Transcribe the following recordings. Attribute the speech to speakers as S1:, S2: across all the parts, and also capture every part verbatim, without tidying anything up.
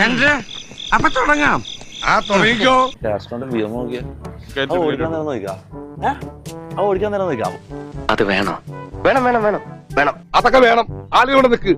S1: അപ്പൊ തുടങ്ങാം. ആ തുടങ്ങിക്കോ.
S2: ഓടിക്കാൻ നേരം നോക്കാം.
S3: അത് വേണോ? വേണം വേണം വേണം വേണം.
S1: അതൊക്കെ വേണം. ആളുകളുടെ നിക്ക്.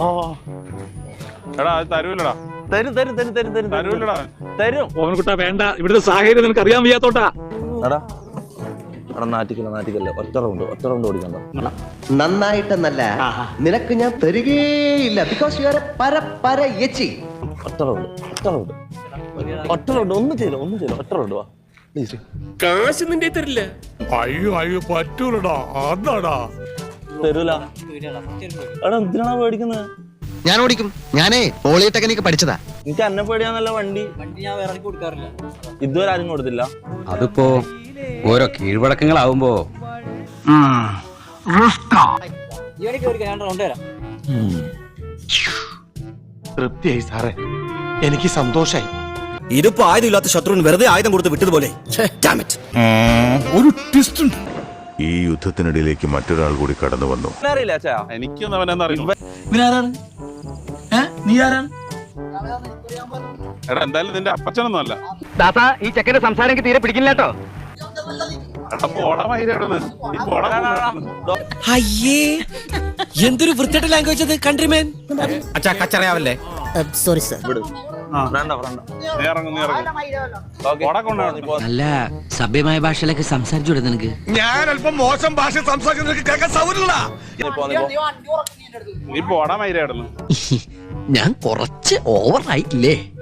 S4: എടാ അത് തരൂലടാ.
S2: തരും തരും തരും തരും തരും
S4: തരൂലടാ.
S2: തരും.
S5: ഓവൻകുട്ടാ വേണ്ട, ഇവിടുത്തെ സാഹചര്യം നിനക്ക് അറിയാൻ വയ്യാത്തോട്ടാ.
S2: എടാ എടാ നാറ്റിക്കല്ല നാറ്റിക്കല്ല ഒറ്റ റൗണ്ട് ഒറ്റ റൗണ്ട് ഓടിക്കണ്ട.
S6: നന്നായിട്ടെന്നല്ല, നിനക്ക് ഞാൻ തരികേയില്ല. ബിക്കോസ് യു ആർ എ പര പര യച്ചി.
S2: ഒറ്റ റൗണ്ട് ഒറ്റ റൗണ്ട് ഒറ്റ റൗണ്ട് ഒന്നും ചെയ്യില്ല ഒന്നും ചെയ്യില്ല ഒറ്റ റൗണ്ട് വാ പ്ലീസ്.
S3: കാശ് നിന്റെ തരില്ല.
S1: അയ്യോ അയ്യോ പറ്റൂലടാ. അതാടാ
S2: തരൂല. എടാ എന്തിനാണ് പേടിക്കുന്നത്?
S6: ഞാൻ ഓടിക്കും. ഞാനേ പോളിടെക്നിക് പഠിച്ചതാ.
S2: എനിക്ക് എന്നെ പേടിയാന്നല്ല വണ്ടി വണ്ടി ഞാൻ വേറെ കൊടുക്കാറില്ല. ഇതുവരെ ആരും കൊടുത്തില്ല.
S7: അതിപ്പോ ഓരോ കീഴ്വഴക്കങ്ങളാവുമ്പോ
S1: തൃപ്തിയായി സാറേ, എനിക്ക് സന്തോഷായി.
S3: ഇതിപ്പോ ആയുധമില്ലാത്ത ശത്രുവിന് വെറുതെ ആയുധം കൊടുത്ത് വിട്ടതുപോലെ.
S1: ഒരു ട്വിസ്റ്റ് ഉണ്ട്.
S8: ഈ യുദ്ധത്തിനിടയിലേക്ക് മറ്റൊരാൾ കൂടി കടന്നു വന്നു.
S2: അറിയില്ല അച്ഛാ.
S4: എനിക്കൊന്നും അവനെന്ന് അറിയില്ല. എടാ എന്തായാലും നിന്റെ അപ്പച്ചനൊന്നും അല്ല.
S3: ദാസാ ഈ ചെക്കന്റെ സംസാരം എനിക്ക് തീരെ പിടിക്കില്ല കേട്ടോ.
S4: എടാ പോടാ മയിലാണ്. നീ പോടാ.
S3: അയ്യേ എന്തൊരു വൃത്തിയുടെ ലാംഗ്വേജ് അത് കൺട്രിമേൻ.
S7: അച്ഛാ കച്ചറയാവല്ലേ.
S6: Sorry sir.
S2: ഫ്രണ്ട ഫ്രണ്ട
S4: നീ ഇറങ്ങും നീ ഇറങ്ങും. പോടാ കൊണ്ടാണ്.
S9: നല്ല സഭ്യമായ ഭാഷയിലൊക്കെ സംസാരിച്ചു നിനക്ക്.
S1: ഞാൻ അല്പം മോശം ഭാഷ സംസാരിക്കുന്നത് കേൾക്കാൻ സൗകര്യമില്ല.
S4: നീ പോടാ മയിലായിരുന്നു.
S9: ഞാൻ കുറച്ച് ഓവർ ആയിട്ടില്ലേ?